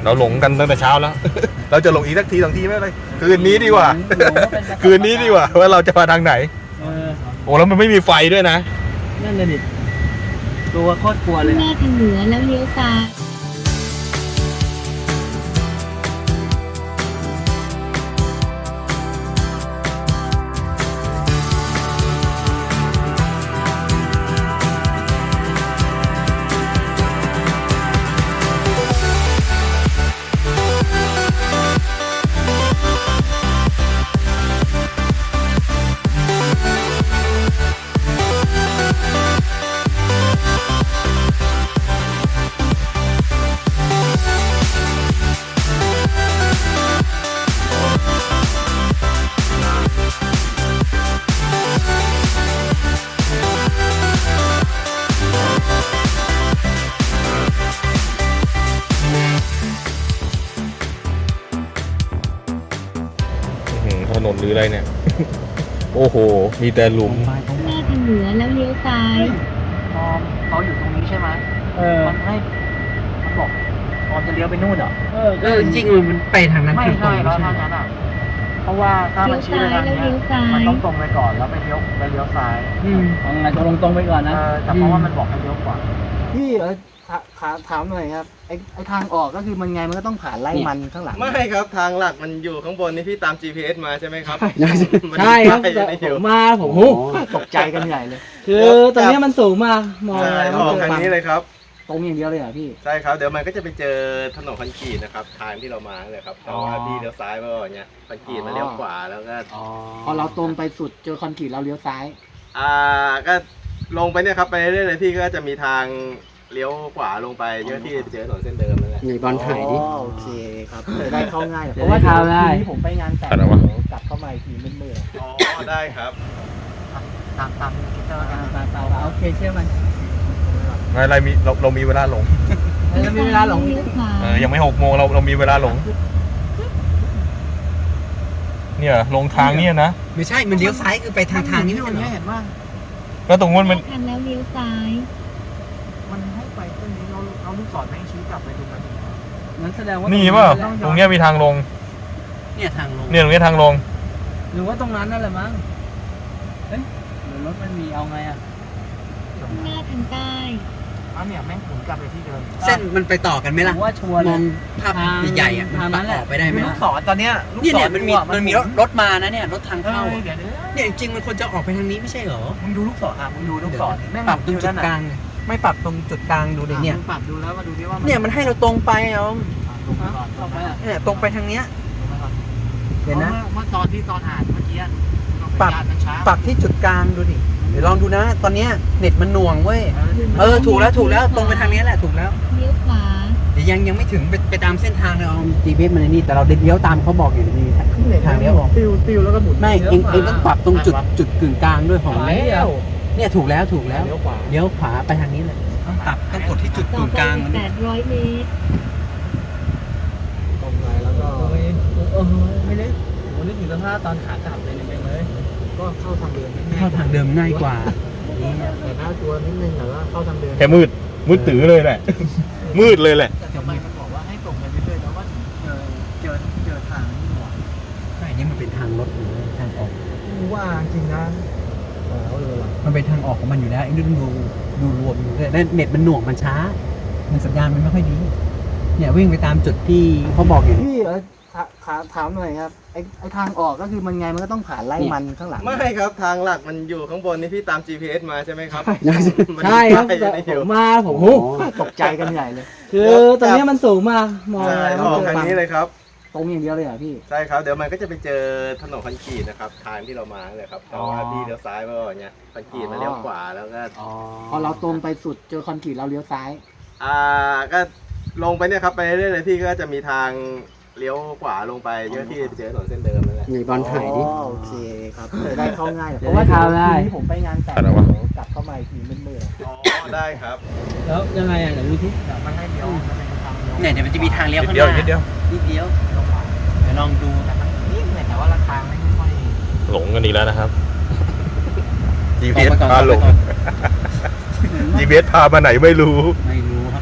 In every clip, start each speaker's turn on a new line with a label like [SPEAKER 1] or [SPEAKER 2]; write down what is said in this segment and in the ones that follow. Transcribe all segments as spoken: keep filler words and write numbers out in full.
[SPEAKER 1] เราหลงกันตั้งแต่เช้าแล้ว เราจะหลงอีกสักทีสองทีไม่เป็นไรคืนนี้ดีกว่า คืนนี้ดีกว่าว่าเราจะมาทางไหนโอ้แล้วมันไม่มีไฟด้วยนะ
[SPEAKER 2] นั่นเลยดิตัวโคตรกลัวเลย
[SPEAKER 3] หน้าทางเหนือแล้วเลี้ยวซ้าย
[SPEAKER 1] ถนนหรืออะไรเนี่ย โอ้โหมีแต่หลุม
[SPEAKER 3] หน้าทางเหนือแล้วเลี้ยวซ้าย
[SPEAKER 2] ออมเขาอยู่ตรงนี้ใช่ไหมเออมันให้มันบอกออมจะเลี้ยวไปนู่นเหรอเออก็จริงๆมันไปทางนั้นไม่ใช่แล้วทางนั้นอ่ะเพราะว่าถ้ามันชี้ไปทางนี้มันต้องตรงไปก่อนแล้วไปเลี้ยวไปเลี้ยวซ้ายอืมเอาไงตรงตรงไปก่อนนะแต่เพราะว่ามันบอกให้เลี้ยวขวาพี่เออขาถามหน่อยครับไอ้ไอ้ทางออกก็คือมันไงมันก็ต้องผ่านไร่มันข้างหลัง
[SPEAKER 4] ไม่ครับทางหลักมันอยู่ข้างบนนี่พี่ตาม จี พี เอส มาใช่ไหมครับ
[SPEAKER 2] ใช่ครับผมมาผมตกใจกันใหญ่เลยคือตรงนี้มันสูงมากมองอะไร
[SPEAKER 4] ออกทางนี้เลยครับ
[SPEAKER 2] ตรงอย่างเดียวเลยเหรอพี่
[SPEAKER 4] ใช่ครับเดี๋ยวมันก็จะไปเจอถนนคอนกรีตนะครับทางที่เรามาเลยครับแต่ว่าพี่เลี้ยวซ้ายมาก่อนเนี่ยคอนกรีตมาเลี้ยวขวาแล้วก็
[SPEAKER 2] พอเราตรงไปสุดเจอคอนกรีตเราเลี้ยวซ้าย
[SPEAKER 4] อ่าก็ลงไปเนี่ยครับไปเรื่อยๆเลยพี่ก็จะมีทางเลี้ยวขวาลงไปเยอะที่เจอถนนเส้นเดิมนั่นแหละ
[SPEAKER 2] ในบอลถ่ายดิโอเคครับจะได้เข้าง่ายเพราะว่าทีนี้ผมไปงานแต่งกลับเข้ามาอีกทีมืดๆ
[SPEAKER 4] อ๋อได้ครับ
[SPEAKER 2] ตามตามคิดว่าตามตามตามโอเคเชื่อมัน
[SPEAKER 1] ไม่อะไรมีเราเรามีเวลาหลง
[SPEAKER 2] เรามีเวลาหลง
[SPEAKER 1] เออยังไม่หกโมงเราเรามีเวลาหลงเนี่ยลงทางเนี่ยนะ
[SPEAKER 2] ไม่ใช่มันเลี้ยวซ้ายคือไปทางทางนี้ไม่ใช่เห็นว่า
[SPEAKER 1] ก็ตรงนู้นมัน
[SPEAKER 3] ทางแล้วเลี้ยวซ้าย
[SPEAKER 2] มันให้ไปตรงนี้เราเราลูกศรไม่ชี้กลับไปตรงนั้นนั้นแสดงว่า
[SPEAKER 1] นี่ป่ะตรงเนี้ยมีทางลง
[SPEAKER 2] เนี่ยทางลง
[SPEAKER 1] เนี่ยตรงนี้ทางลง
[SPEAKER 2] หรือว่าตรงนั้นนั่นแหละมั้งเฮ้ยหรือรถมันมีเอาไงอ่ะ
[SPEAKER 3] หน้าทางใต้
[SPEAKER 2] อ้าวเนี่ยแม่งหมุนกลับไปที่เดิม
[SPEAKER 5] เส้นมันไปต่อกันไหมล่ะ
[SPEAKER 2] ว่าชัวร์
[SPEAKER 5] มองภาพใหญ่ๆอ่ะมันตัดออกไปได้ไหม
[SPEAKER 2] ลูกศรตอนเนี้ย
[SPEAKER 5] เนี่ยเนี่ยมันมีมันมีรถรถมานะเนี่ยรถทางเข้าเนี่ยจริงๆมันควรจะออกไปทางนี้ไม่ใช่เหรอ
[SPEAKER 2] มึงดูลูกศรอ่ะมึงดูลูกศร
[SPEAKER 5] แม่งปรับตรงจุดกลางไม่ปรับตรงจุดกลางดูดิเนี่ย
[SPEAKER 2] ปรับดูแล้วมาดูดิว่า
[SPEAKER 5] เนี่ยมันให้เราตรงไปเอาเนี่ยตรงไปทางเนี้ยเห็นนะ
[SPEAKER 2] เมื่อตอนที่ตอนอ่านเมื่อกี้
[SPEAKER 5] ปรับปรับที่จุดกลางดูดิเดี๋ยวลองดูนะตอนนี้เน็ตมันหน่วงเว้ยเออถูกแล้วถูกแล้วตรงไปทางนี้แหละถูกแล้ว
[SPEAKER 3] เลี้ยวขวา
[SPEAKER 5] เดี๋ยวยังยังไม่ถึงไปไปตามเส้นทางเลยเอา จี พี เอส มันนี่แต่เราเลี้ยวตามเขาบอกอยู่มีทางเลี้ยวออก
[SPEAKER 2] ติวติวแล้วก็หมุน
[SPEAKER 5] ไม่เองเองต้องปรับตรงจุดจุดกึ่งกลางด้วยของเนี่ยถูกแล้วถูกแล้วเลี้ยวขวาเลี้ยวขวาไปทางนี้เลยต้องปรับต้องกดที่จุดกึ่งกลาง
[SPEAKER 3] มันแปดร้อยเมตร
[SPEAKER 2] ตรงไปแล้วก็เออไม่ได้ผมนึกถึงสภาพตอนขากลับเลยเนี่ยเลยก็เข้าทางเดิม
[SPEAKER 5] เข้าทางเดิมง่ายกว่า
[SPEAKER 2] แต่หน้าตัวนิดนึงแต่ว่าเข้าทางเดิม
[SPEAKER 1] แค่มืดมืดตื้อเลยแหละมืดเลยแหละ
[SPEAKER 2] แต่ทำไมมันบอกว่าให้ตรงไปเรื่อยๆแล้วว่าเจอเจอเจอทางนี่หว่า
[SPEAKER 5] ใช่นี่มันเป็นทางรถหรือทางออก
[SPEAKER 2] ว่าจริงนะเอาเลยว่ะ
[SPEAKER 5] มันเป็นทางออกของมันอยู่แล้วไอ้ดูดูดูรวมดูเลยเน็ตมันหน่วงมันช้ามันสัญญาณมันไม่ค่อยดีเนี่ยวิ่งไปตามจุดที่เขาบอกอยู่
[SPEAKER 2] พี่เออขาถามหน่อยครับไอ้ไอ้ทางออกก็คือมันไงมันก็ต้องผ่านไร่มันข้างหลัง
[SPEAKER 4] ไม่ครับทางหลักมันอยู่ข้างบนนี่พี่ตาม จี พี เอส มาใช่ไหมครับ
[SPEAKER 2] ใช่ครับผมมาผมตกใจกันใหญ่เลยคือตรงนี้มันสูงมากมองอะไร
[SPEAKER 4] ออกทางนี้เลยครับ
[SPEAKER 2] ตรงอย่างเดียวเลยเหรอพี่
[SPEAKER 4] ใช่ครับเดี๋ยวมันก็จะไปเจอถนนคอนกรีตนะครับทางที่เรามาเลยครับแต่ว่าพี่เลี้ยวซ้ายมาก่อนเนี่ยคอนกรีตมาเลี้ยวขวาแล้วก็
[SPEAKER 2] พอเราตรงไปสุดเจอคอนกรีตเราเลี้ยวซ้าย
[SPEAKER 4] อ่าก็ลงไปเนี่ยครับไปเรื่อยๆเลยพี่ก็จะมีทางเลี้ยวขวาลงไปเยอะที่เจอถนนเส้นเดิมนั่นแหละ
[SPEAKER 5] ในบอลถ่ายดิ
[SPEAKER 2] โอเคครับจะได้เข้าง่ายเพราะว่าทีนี้ผมไปงานแต่งกลับเข้ามาอีกทีมืด
[SPEAKER 4] ๆอ๋อได้ครับ
[SPEAKER 2] แล้วยังไงอ่ะเดี๋ยวดูที่เดี๋ยวมันให้เลี้ยว
[SPEAKER 5] เนี่ยเดี๋ยวมันจะมีทางเลี้ยวข้างห
[SPEAKER 1] น้านิดเดียว
[SPEAKER 5] นิดเดียวเดี๋ยวลองดู
[SPEAKER 2] แต่มันนิดหน่อยแต่ว่าราคาไม่ค่อย
[SPEAKER 1] หลงกันดีแล้วนะครับ จี พี เอส พาหลง จี พี เอส พามาไหนไม่รู้
[SPEAKER 5] ไม่รู้ครับตอนนี้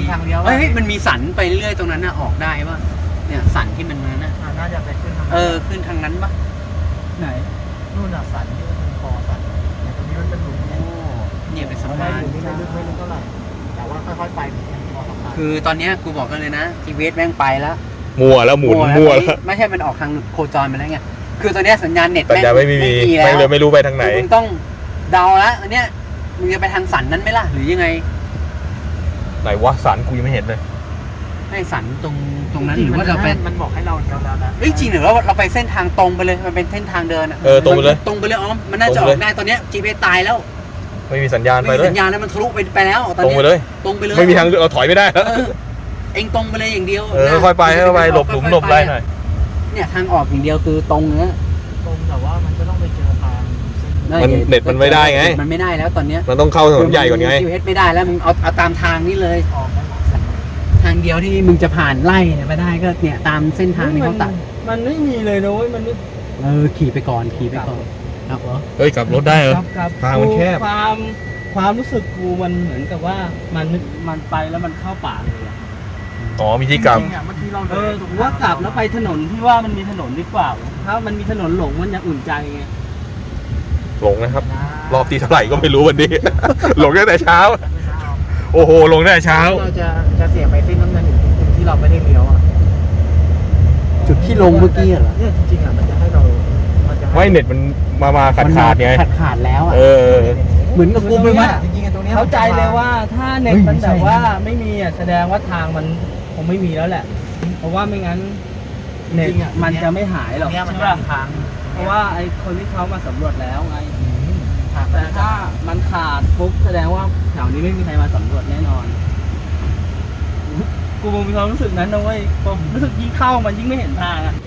[SPEAKER 2] ทางเลี้ยว
[SPEAKER 5] เฮ้ยมันมีสันไปเรื่อยตรงนั้นน่ะออกได้ป่ะเนี่ยสันที่มันมาน่ะ
[SPEAKER 2] อ่าน่าจะไปขึ้นทาง
[SPEAKER 5] เออขึ้นทางนั้นป่ะไหน
[SPEAKER 2] นู่นน่ะสันที่มันเป็นคอสันแต่ตรงนี้มันเป็นหลุม
[SPEAKER 5] โอ้เนี่ยเป็นสะ
[SPEAKER 2] ไม่
[SPEAKER 5] พาน
[SPEAKER 2] หลุมนี่ไม่ลึกไม่ลึกเท่าไหร่แต่ว่าค่อยๆไปพอสะพาน
[SPEAKER 5] คือตอนเนี้ยกูบอกกันเลยนะจีเวสแม่งไปแล้ว
[SPEAKER 1] มัวแล้วหมุนมัว
[SPEAKER 5] แล้
[SPEAKER 1] แล้ว ว
[SPEAKER 5] ไม่ใช่มันออกทางโคจรไปแล้วไงคือตอนเนี้ยสัญญาณเน็ต
[SPEAKER 1] แต่จะไม่มี
[SPEAKER 5] แล้ว
[SPEAKER 1] ไม่เลยไม่รู้ไปทางไหน
[SPEAKER 5] มึงต้องเดาละอันเนี้ยมึงจะไปทางสันนั้นไหมล่ะหรือยังไง
[SPEAKER 1] ไหนวะสันกูยังไม่เห็นเลย
[SPEAKER 5] ให้สันตรงตรงนั้นหรือว่าเราไป
[SPEAKER 2] มันบอกให้เราเลี้ยวแล้วนะ
[SPEAKER 5] เอ้ยจริงหรือว่าเราไปเส้นทางตรงไปเลยมันเป็นเส้นทางเดินอะ
[SPEAKER 1] เออตรงไปเลย
[SPEAKER 5] ตรงไปเลยอ๋อมันน่าจะ
[SPEAKER 1] ต
[SPEAKER 5] อ
[SPEAKER 1] รง
[SPEAKER 5] อ
[SPEAKER 1] ไปเลย
[SPEAKER 5] กได้ตอนเนี้ยจีเวสตายแล้ว
[SPEAKER 1] ไม่มีสัญญาณ
[SPEAKER 5] ไม่
[SPEAKER 1] ไป
[SPEAKER 5] มี
[SPEAKER 1] เลย
[SPEAKER 5] สัญญาณแล้วมันทะลุไปไปแล้วตอน
[SPEAKER 1] ตรง
[SPEAKER 5] เนี้
[SPEAKER 1] ไป
[SPEAKER 5] ย
[SPEAKER 1] เลย
[SPEAKER 5] ตรงไปเลย
[SPEAKER 1] ไม่มีทางเลือกเราถอยไม่ได้แล้ว
[SPEAKER 5] เออเองตรงไปเลยอย่างเดียว
[SPEAKER 1] เออค่อยไปค่อยไปหลบหลุมหลบไรหน่อย
[SPEAKER 5] เนี่ยทางออกอย่างเดียวคือตรงเนี้ย
[SPEAKER 2] ตรงแต่ว่ามันก็ต้องไปเจอทางเส้น
[SPEAKER 1] มันเน็ตมันไม่ได้ไง
[SPEAKER 5] มันไม่ได้แล้วตอนเนี้ย
[SPEAKER 1] มันต้องเข้าถนนใหญ่ก่อนไง
[SPEAKER 5] จีเวสไม่ได้แล้วมึงเอาเอาตามทางนี้เลย
[SPEAKER 2] ออกได้หมด
[SPEAKER 5] ทางเดียวที่มึงจะผ่านไล่เนี่ยไปได้ก็เนี่ยตามเส้นทางที่เขาตัด
[SPEAKER 2] มันไม่มีเลยนะเว้ยมันไม่
[SPEAKER 5] เออขี่ไปก่อนขี่ไปก่อนครับเหรอ
[SPEAKER 1] เฮ้ยกลับรถได้เหรอ
[SPEAKER 2] ครับครับ
[SPEAKER 1] ทางมันแคบ
[SPEAKER 2] ความความรู้สึกกูมันเหมือนกับว่ามันมันไปแล้วมันเข้าป่าเลยอะ
[SPEAKER 1] อ๋อมีที่กลับ
[SPEAKER 2] จริงๆอะเมื่อกี้เราเออผมว่ากลับแล้วไปถนนที่ว่ามันมีถนนดีกว่าถ้ามันมีถนนหลงมันยังอุ่นใจไง
[SPEAKER 1] หลงนะครับ รอบที่เท่าไหร่ก็ไม่รู้วันนี้ หลงตั้งแต่เช้า โอ้โหหลงตั้งแต่เช้า
[SPEAKER 2] เราจะจะเสียไปเส้นน้ำเงินอยู่จุดที่เราไม่ได้เลี้ยวอ่ะ
[SPEAKER 5] จุดที่ลงเมื่อกี้เหรอ
[SPEAKER 2] เนี่ยจริงๆอ่ะมันจะให้เรามันจะให้
[SPEAKER 1] ไม่เน็ตมันมามาขาดขาดไง
[SPEAKER 5] ขาดขาดแล้วอ่ะ
[SPEAKER 1] เออ
[SPEAKER 5] เหมือนกับกูไปวัด
[SPEAKER 2] จริงๆอะตรงนี้ย
[SPEAKER 6] เข้าใจเลยว่าถ้าเน็ต
[SPEAKER 5] เฮ้ย
[SPEAKER 6] มัน
[SPEAKER 5] ไม่ใช่
[SPEAKER 6] แบบว่าไม่มีอ่ะแสดงว่าทางมันคงไม่มีแล้วแหละ เพราะว่าไม่งั้นเน็ต
[SPEAKER 2] จริงๆอะ
[SPEAKER 6] มันจะไม่หายหรอก
[SPEAKER 2] เนี่ยมัน
[SPEAKER 6] ใช่
[SPEAKER 2] จะ
[SPEAKER 6] ป่ะ
[SPEAKER 2] มีทาง
[SPEAKER 6] เพราะว่าไอ้คนที่เขามาสำรวจแล้วไง
[SPEAKER 2] ทาง
[SPEAKER 6] แต่ถ้ามันขาดปุ๊บแสดงว่าแถวนี้ไม่มีใครมาสำรวจแน่นอน กูมีความรู้สึกนั้นนะเว้ยพอรู้สึกยิ่งเข้ามันยิ่งไม่เห็นทางอ่ะ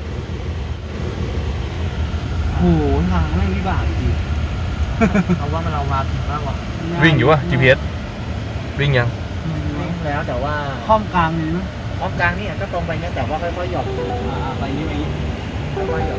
[SPEAKER 6] โอ้โหทางไม่งวิบากจริง
[SPEAKER 2] เอาว่ามันเรามาถึงมากกว่า
[SPEAKER 1] วิ่งอยู่วะ จี พี เอส วิ่งยัง
[SPEAKER 2] วิ่งแล้วแต่ว่า
[SPEAKER 6] ข้อมกลางเลยนะ
[SPEAKER 2] อ้อมกลางนี่ก็ตรงไปเนี่ยแต่ว่าค่อยๆหย่อน
[SPEAKER 6] อ่าไปนี่ไปนี่
[SPEAKER 2] ค่อยๆหย่อน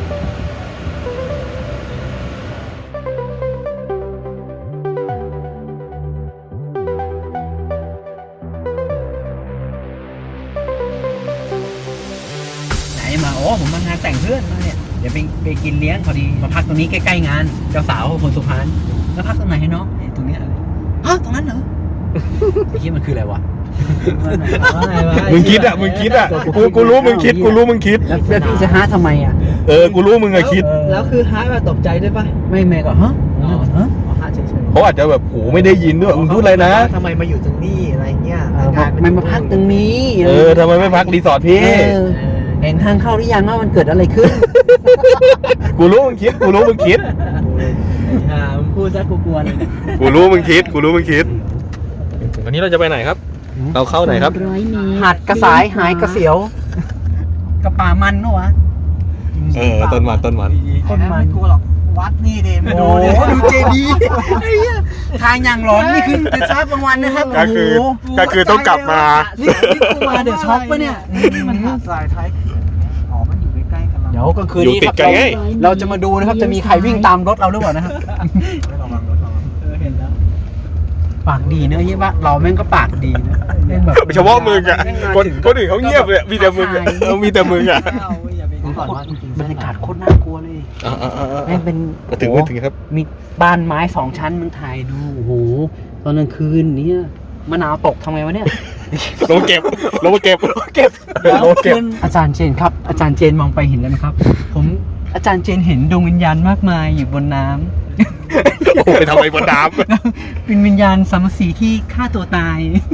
[SPEAKER 5] ไหนมาโอ้ผมมางานแต่งเพื่อนมาเนี่ยเดี๋ยวไปไปกินเลี้ยงพอดีมาพักตรงนี้ใกล้ๆงานเจ้าสาวคนสุพรรณแล้วพักตรงไหนให้น้องเอ้ยตรงเนี้ยฮะตรงนั้นเหรอไอ้ที่มันคืออะไรวะ
[SPEAKER 6] ว่าไงวะ
[SPEAKER 1] มึงคิดอ่ะ มึงคิดอ่ะ กูกูรู้มึงคิด กูรู้มึงคิด
[SPEAKER 5] แล้วแล้วพี่จะฮะทำไมอ่ะ
[SPEAKER 1] เออ กูรู้มึงอะคิด
[SPEAKER 6] แล้วคือฮาร์ดมาตกใจด้วยปะ
[SPEAKER 5] ไม่แม่ก็ฮะฮะ
[SPEAKER 6] อ๋อฮาร์ดเฉย
[SPEAKER 1] เขาอาจจะแบบโหไม่ได้ยินด้วยมึงพูดอะไรนะ
[SPEAKER 2] ทำไมมาอยู่ตรงนี้อะไรเงี้ย
[SPEAKER 5] เออบอกไม่มาพักตรงนี้
[SPEAKER 1] เออทำไมไม่พักรีสอร์ทพี่
[SPEAKER 5] เออเห็นทางเข้าหรือยังว่ามันเกิดอะไรขึ้น
[SPEAKER 1] กูรู้มึงคิด กูรู้มึงคิด
[SPEAKER 6] ๆอ่ามึงพูดซะกูกลัวเลยเนี่ย
[SPEAKER 1] กูรู้มึงคิด กูรู้มึงคิด วันนี้เราจะไปไหนครับ เราเข้าไหนครับ
[SPEAKER 3] ร้อยเมตร
[SPEAKER 5] หาดกระสายหายกระเสียว กระป่ามันเนอะวะ
[SPEAKER 1] เออ ต้นมันต้นมัน
[SPEAKER 2] คนมาไม่กลัวหรอกวัดนี่เดม
[SPEAKER 5] โอ้โหดูเจดีย์ไอ้เหี้ยทางอย่างร้อนนี่คือเป็นชาร์จกลางวันนะครับ
[SPEAKER 1] ก็คือ
[SPEAKER 5] โอ้โห
[SPEAKER 1] ก็คือต้องกลับมา
[SPEAKER 5] นี่นี่กูมาเดี๋ยวช็อกปะเนี่ย
[SPEAKER 2] มันหาดทรายท้ายเขื่อนอ๋อมันอยู่ใกล้ๆกันแล้ว
[SPEAKER 5] เดี๋ยวกลางคืน
[SPEAKER 1] อยู่
[SPEAKER 5] นี้
[SPEAKER 1] ติ
[SPEAKER 5] ค
[SPEAKER 1] ด
[SPEAKER 5] รับ
[SPEAKER 1] กันไง
[SPEAKER 5] เราจะมาดูนะครับจะมีใครวิ่งตามรถเราหรือเปล่านะครับ
[SPEAKER 2] ระวังรถระวัง
[SPEAKER 6] เออเห็นแล้ว
[SPEAKER 5] ปากดีเนอะเฮียว่าเราแม่งก็ปากดีนะแม่งแบบ
[SPEAKER 1] เฉพาะมึงอ่ะ คนคนอื่นเขาเงียบเลย มีแต่มึงอะเออมีแต่มึงอ่ะ
[SPEAKER 6] เอาเว้ยอย่าไป
[SPEAKER 2] ก่อนว่าจริงๆ
[SPEAKER 5] บรรยากาศโคตรน่ากลัวเลย
[SPEAKER 1] อ่าอ่าอ่า
[SPEAKER 5] แม่งเป็น
[SPEAKER 1] มาถึงมาถึงครับ
[SPEAKER 5] มีบ้านไม้สองชั้นมึงถ่ายดูโอ้โหตอนกลางคืนเนี่ยมะนาวตกทำไงวะเนี่ย
[SPEAKER 1] ลงมาเก็บ ลงมาเก็บ เก็บลงมาเก็บ
[SPEAKER 5] อาจารย์เจนครับ อาจารย์เจนมองไปเห็นแล้วไหมครับ ผมอาจารย์เจนเห็นดวงวิญญาณมากมายอยู่บนน้ำ
[SPEAKER 1] โอ้ไปทำอะไรบนน้
[SPEAKER 5] เป็นวิญญาณสามสีที่ฆ่าตัวตาย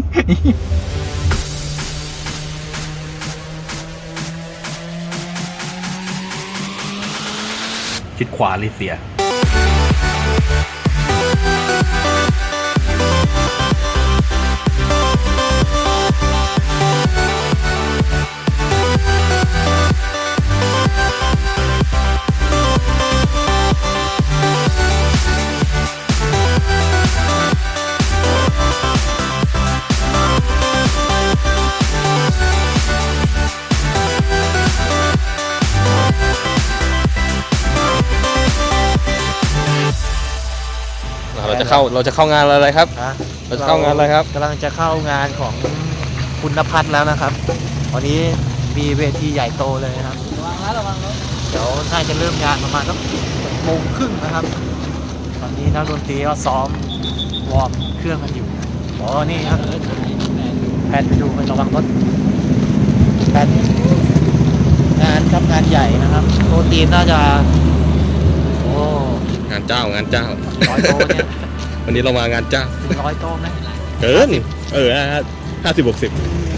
[SPEAKER 1] ำคิดขวาเลยเสีย เราจะเข้าเราจะเข้างานอะไรครับ เราจะเข้างานอะไรครับ
[SPEAKER 2] กำลังจะเข้างานของคุณพัฒน์แล้วนะครับวันนี้มีเวทีใหญ่โตเลยนะครับ
[SPEAKER 6] ระวังแล้วระวังแล้ว
[SPEAKER 2] เดี๋ยวน่าจะเริ่มงานประมาณสักโมงครึ่งนะครับ ตอนนี้นักดนตรีก็ซ้อมวอร์มเครื่องกันอยู่อ๋อนี่ครับแพนไปดูไประวังรถแพนงานครับงานใหญ่นะครับโปรตีนน่าจะโอ้
[SPEAKER 1] งานเจ้างานเจ้า
[SPEAKER 2] ร้อยโตเนี่ย
[SPEAKER 1] วันนี้เรามางานเจ้า
[SPEAKER 2] ถึงร้อยโตไหม
[SPEAKER 1] เกินเออห้าสิบหกสิบ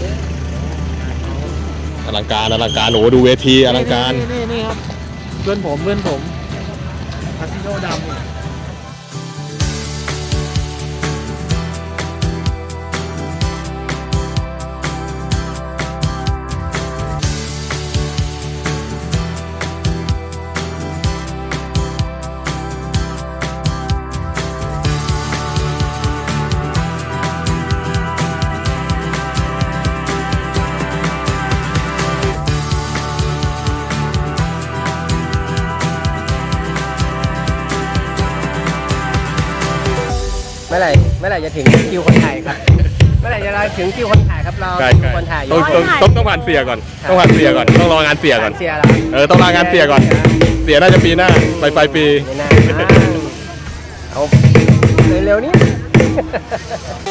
[SPEAKER 1] อลังการอลังการโอ้ดูเวทีอลังการ
[SPEAKER 2] นี่นี่นี่ครับเพื่อนผมเพื่อนผมคาสิโนดำ
[SPEAKER 5] เมื่อไหร่เมื่อไหร่จะถึงคิวคนถ่ายครับ เมื่อไหร่จะถึงคิวคนถ่ายครับเรา
[SPEAKER 1] ใช่
[SPEAKER 5] คิว
[SPEAKER 1] ใช่
[SPEAKER 5] คนถ่ายอยู่
[SPEAKER 1] ต้องต้องต้องต้องผ่านเสียก่อนต้องผ่านเสียก่อนต้องรองานเสียก่อน
[SPEAKER 5] เสียแล้ว
[SPEAKER 1] เออต้องรองานเสียก่อน เสียน่าจะปีหน้าปลายปลายปี
[SPEAKER 5] ไม่น่านะเอาเร็วๆนี้